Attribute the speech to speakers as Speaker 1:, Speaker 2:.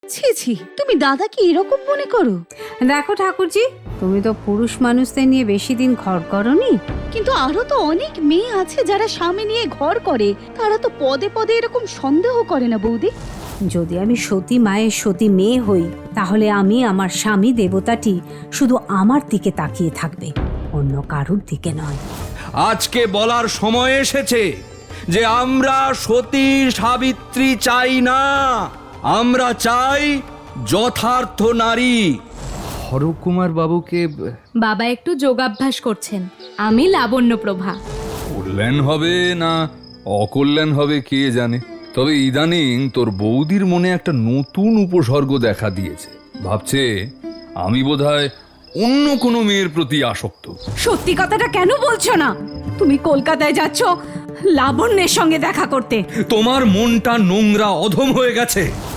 Speaker 1: ছি ছি, তুমি দাদাকে এরকম মনে করো?
Speaker 2: দেখো ঠাকুরজি, তুমি তো পুরুষ মানুষদের নিয়ে বেশি দিন ঘর করনি।
Speaker 1: কিন্তু আরো তো অনেক মেয়ে আছে যারা স্বামী নিয়ে ঘর করে, তারা তো পদে পদে এরকম সন্দেহ করে না বৌদি।
Speaker 2: যদি আমি সতী মায়ের সতী মেয়ে হই, তাহলে আমি আমার স্বামী দেবতাটি শুধু আমার দিকে তাকিয়ে থাকবে, অন্য কারুর দিকে নয়।
Speaker 3: আজকে বলার সময় এসেছে যে আমরা সতী সাবিত্রী চাই না, আমরা চাই যথার্থ নারী।
Speaker 4: হরকুমার বাবুকে
Speaker 5: বাবা একটু যোগাভ্যাস করছেন, আমি লাবণ্যপ্রভা।
Speaker 4: কল্যাণ হবে না অকল্যাণ হবে কে জানে, তবে ইদানিং তোর বৌদির মনে একটা নতুন উপসর্গ দেখা দিয়েছে। ভাবছে আমি বোধহয় অন্য কোনো মেয়ের প্রতি আসক্ত।
Speaker 2: সত্যি কথাটা কেন বলছো না? তুমি কলকাতায় যাচ্ছ লাবণ্যের সঙ্গে দেখা করতে।
Speaker 3: তোমার মনটা নোংরা অধম হয়ে গেছে।